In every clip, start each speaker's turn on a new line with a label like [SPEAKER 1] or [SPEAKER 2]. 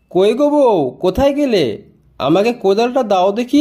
[SPEAKER 1] কই গো বউ, কোথায় গেলে? আমাকে কোদালটা দাও দেখি।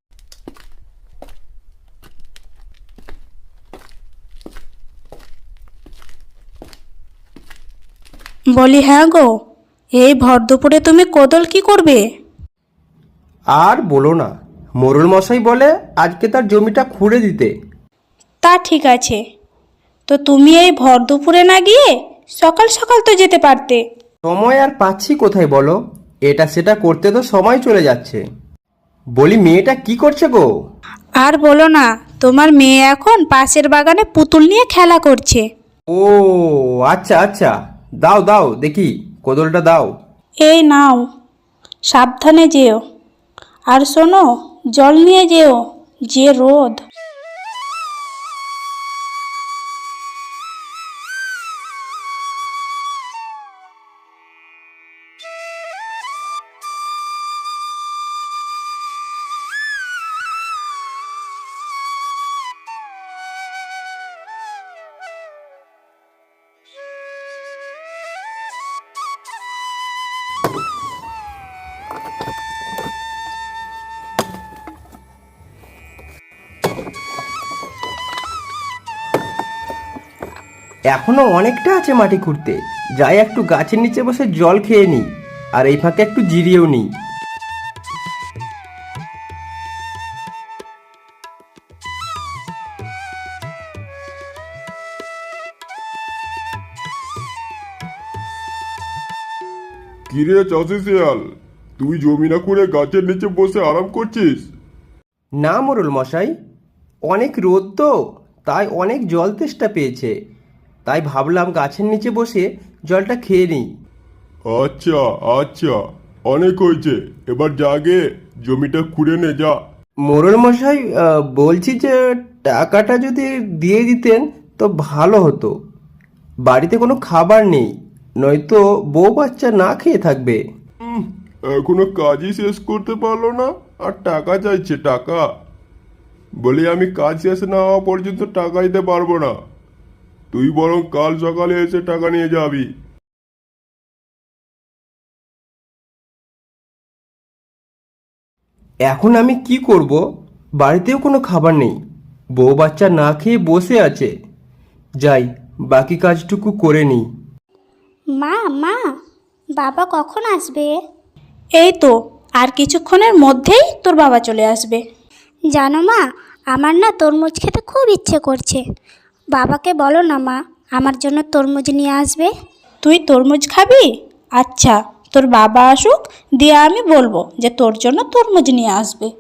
[SPEAKER 2] বলি হ্যাঁ গো, এই ভর দুপুরে তুমি কোদল কি করবে?
[SPEAKER 1] আর বলো না, মোড়ল মশাই বলে আজকে তার জমিটা খুঁড়ে দিতে।
[SPEAKER 2] তা ঠিক আছে, তো তুমি এই ভর দুপুরে না গিয়ে সকাল সকাল তো যেতে পারতে।
[SPEAKER 1] সময় আর পাচ্ছি কোথায় বলো? এটা সেটা করতে তো সময় চলে যাচ্ছে। বলি, মেয়েটা কি করছে গো?
[SPEAKER 2] আর বলো না, তোমার মেয়ে এখন পাশের বাগানে পুতুল নিয়ে খেলা করছে।
[SPEAKER 1] ও আচ্ছা আচ্ছা, দাও দাও দেখি, কোদলটা দাও।
[SPEAKER 2] এই নাও, সাবধানে যেও, আর শোনো, জল নিয়ে যেও, যে রোদ।
[SPEAKER 1] এখনো অনেকটা আছে মাটি খুঁড়তে। যাই একটু গাছের নিচে বসে জল খেয়ে নিই, আর এই ফাঁকে একটু জিরিয়েও নিই।
[SPEAKER 3] কিরে চাষি শিয়াল, তুই জমি না করে গাছের নিচে বসে আরাম করছিস?
[SPEAKER 1] না মোড়ল মশাই, অনেক রোদ তো, তাই অনেক জল তেষ্টা পেয়েছে, তাই ভাবলাম গাছের নিচে বসে জলটা খেয়ে নিই।
[SPEAKER 3] আচ্ছা আচ্ছা, অনেক হয়েছে, এবার জাগে জমিটা খুঁড়ে নে যা।
[SPEAKER 1] মোড়ল মশাই, বলছি যে টাকাটা যদি দিয়ে দিতেন তো ভালো হতো। বাড়িতে কোনো খাবার নেই, নয়তো বউ বাচ্চা না খেয়ে থাকবে।
[SPEAKER 3] এখনো কাজই শেষ করতে পারলো না, আর টাকা চাইছে টাকা? বলি আমি কাজ শেষ না হওয়া পর্যন্ত টাকা দিতে পারবো না। তুই বরং কাল সকালে এসে টাকা নিয়ে যাবি।
[SPEAKER 1] এখন আমি কি করব? বাড়িতেও কোনো খাবার নেই, বউ বাচ্চা না খেয়ে বসে আছে। যাই, বাকি কাজটুকু করে নিই।
[SPEAKER 4] মা মা, বাবা কখন আসবে?
[SPEAKER 2] এই তো, আর কিছুক্ষণের মধ্যেই তোর বাবা চলে আসবে।
[SPEAKER 4] জানো মা, আমার না তরমুজ খেতে খুব ইচ্ছে করছে। বাবাকে বলো না মা, আমার জন্য তরমুজ নিয়ে আসবে।
[SPEAKER 2] তুই তরমুজ খাবি? আচ্ছা, তোর বাবা আসুক, দিয়ে আমি বলবো যে তোর জন্য তরমুজ নিয়ে আসবে।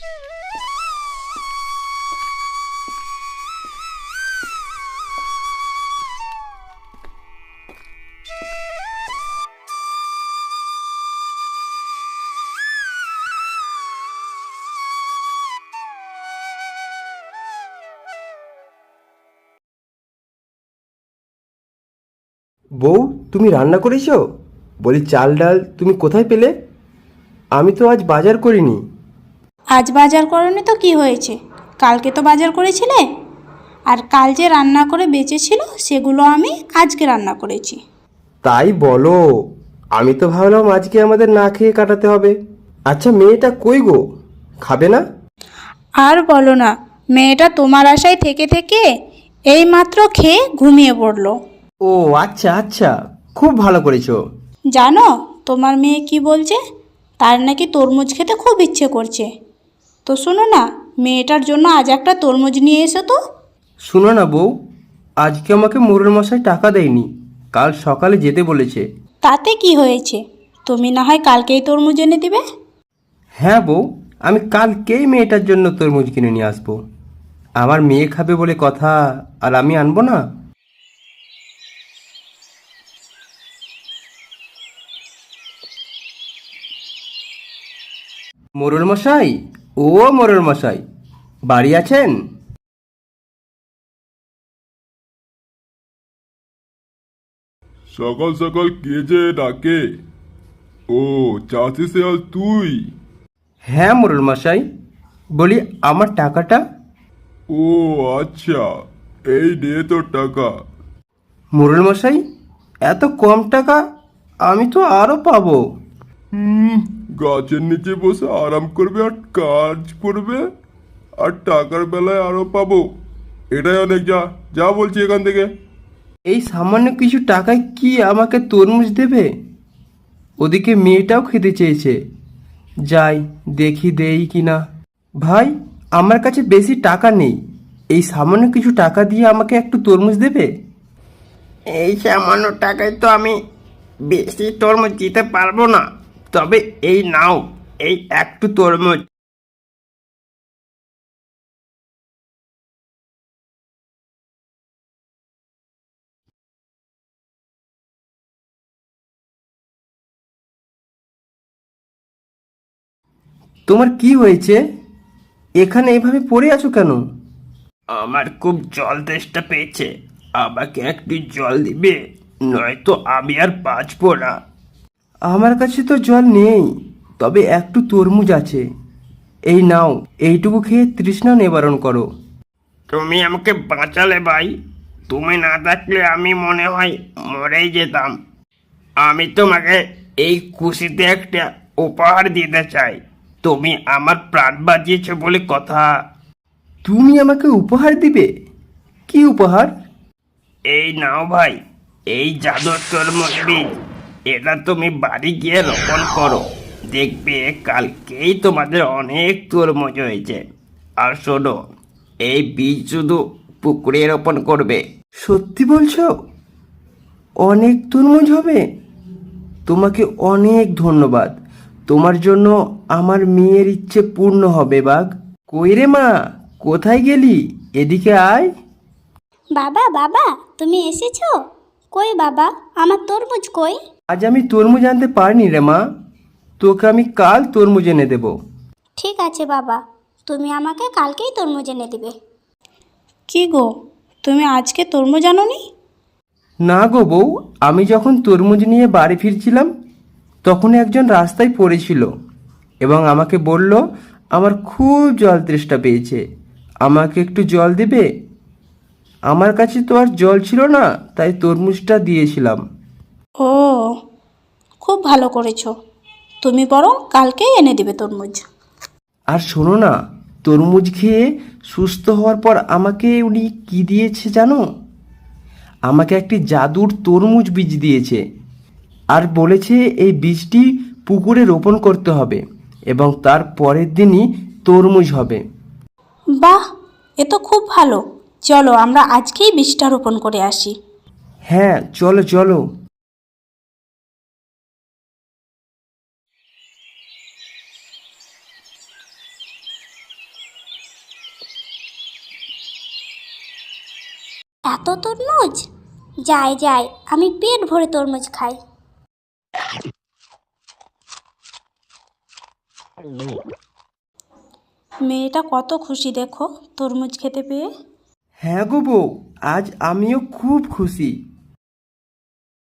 [SPEAKER 1] বউ, তুমি রান্না করেছো? বলি, চাল ডাল তুমি কোথায় পেলে? আমি তো আজ বাজার করিনি।
[SPEAKER 2] আজ বাজার করনি তো কি হয়েছে, কালকে তো বাজার করেছিলে। আর কাল যে রান্না করে বেঁচেছিল সেগুলো আমি আজকে রান্না করেছি।
[SPEAKER 1] তাই বলো? আমি তো ভাবলাম আজকে আমাদের না খেয়ে কাটাতে হবে। আচ্ছা, মেয়েটা কই গো? খাবে না?
[SPEAKER 2] আর বলো না, মেয়েটা তোমার আশায় থেকে থেকে এইমাত্র খেয়ে ঘুমিয়ে পড়লো।
[SPEAKER 1] ও আচ্ছা আচ্ছা, খুব ভালো করেছো।
[SPEAKER 2] জানো তোমার মেয়ে কি বলছে? তার নাকি তরমুজ খেতে খুব ইচ্ছে করছে। তো শোনো না, মেয়েটার জন্য আজ একটা তরমুজ নিয়ে এসো তো।
[SPEAKER 1] শুনো না বউ, আজকে আমাকে মোড়ল মশাই টাকা দেয়নি, কাল সকালে যেতে বলেছে।
[SPEAKER 2] তাতে কি হয়েছে, তুমি না হয় কালকেই তরমুজ এনে দিবে।
[SPEAKER 1] হ্যাঁ বউ, আমি কালকেই মেয়েটার জন্য তরমুজ কিনে নিয়ে আসবো। আমার মেয়ে খাবে বলে কথা, আর আমি আনবো না? মোড়ল মশাই, ও মোড়ল মশাই, বাড়ি আছেন?
[SPEAKER 3] সকাল সকাল কে যে ডাকে? ও, চাষি শিয়াল তুই?
[SPEAKER 1] হ্যাঁ মোড়ল মশাই, বলি আমার টাকাটা।
[SPEAKER 3] ও আচ্ছা, এই নে তোর টাকা।
[SPEAKER 1] মোড়ল মশাই, এত কম টাকা? আমি তো আরও পাবো।
[SPEAKER 3] গাছের নিচে বসে আরাম করবে আর কাজ করবে, আর টাকার বেলায় আরো পাবো। এটাই অনেক। যা যা বলছি এখান থেকে।
[SPEAKER 1] এই সামান্য কিছু টাকায় কি আমাকে তরমুজ দেবে? ওদিকে মেয়েটাও খেতে চেয়েছে। যাই দেখি দেই কিনা। ভাই, আমার কাছে বেশি টাকা নেই, এই সামান্য কিছু টাকা দিয়ে আমাকে একটু তরমুজ দেবে? এই সামান্য টাকায় তো আমি বেশি তরমুজ দিতে পারবো না, তবে এই নাও, এই একটু তরমুজ। তোমার কি হয়েছে? এখানে এভাবে পড়ে আছো কেন? আমার খুব জল তেষ্টা পেয়েছে, আমাকে একটু জল দিবে, নয়তো আমি আর বাঁচবো না। আমার কাছে তো জল নেই, তবে একটু তরমুজ আছে, এই নাও, এইটুকু খেয়ে তৃষ্ণা নিবারণ করো। তুমি আমাকে বাঁচালে ভাই, তুমি না থাকলে আমি মনে হয় মরেই যেতাম। আমি তোমাকে এই খুশিতে একটা উপহার দিতে চাই, তুমি আমার প্রাণ বাঁচিয়েছ বলে কথা। তুমি আমাকে উপহার দিবে? কি উপহার? এই নাও ভাই, এই জাদুর তরমুজ বীজ, এটা তুমি বাড়ি গিয়ে রোপণ করো, দেখবে কালকেই তোমাদের অনেক তরমুজ হয়েছে। আর শোনো, এই বীজ শুধু পুকুরে রোপণ করবে। সত্যি বলছো? অনেক তরমুজ হবে? তোমাকে অনেক ধন্যবাদ, তোমার জন্য আমার মেয়ের ইচ্ছে পূর্ণ হবে বাঘ। কই রে মা, কোথায় গেলি? এদিকে আয়।
[SPEAKER 4] বাবা বাবা, তুমি এসেছো? কই বাবা, আমার তরমুজ কই?
[SPEAKER 1] আজ আমি তরমুজ আনতে পারিনি রে মা, তোকে আমি কাল তরমুজ এনে দেব।
[SPEAKER 4] ঠিক আছে বাবা, তুমি আমাকে কালকেই তরমুজ এনে দিবে।
[SPEAKER 2] কি গো, তুমি আজকে তরমুজ আনোনি?
[SPEAKER 1] না গো বউ, আমি যখন তরমুজ নিয়ে বাড়ি ফিরছিলাম তখন একজন রাস্তায় পড়েছিল এবং আমাকে বলল আমার খুব জল তেষ্টা পেয়েছে, আমাকে একটু জল দেবে? আমার কাছে তো আর জল ছিল না, তাই তরমুজটা দিয়েছিলাম।
[SPEAKER 2] ও, খুব ভালো করেছো, তুমি বরং কালকেই এনে দিবে তরমুজ।
[SPEAKER 1] আর শোনো না, তরমুজ খেয়ে সুস্থ হওয়ার পর আমাকে উনি কি দিয়েছে জানো? আমাকে একটি জাদুর তরমুজ বীজ দিয়েছে, আর বলেছে এই বীজটি পুকুরে রোপণ করতে হবে এবং তার পরের দিনই তরমুজ হবে।
[SPEAKER 2] বাহ, এ তো খুব ভালো, চলো আমরা আজকেই বীজটা রোপণ করে আসি।
[SPEAKER 1] হ্যাঁ চলো চলো।
[SPEAKER 4] এত তরমুজ? যাই যাই, আমি পেট ভরে তরমুজ খাই।
[SPEAKER 2] মেয়েটা কত খুশি দেখো তরমুজ খেতে পেয়ে।
[SPEAKER 1] হ্যাঁ গো বউ, আজ আমিও খুব খুশি।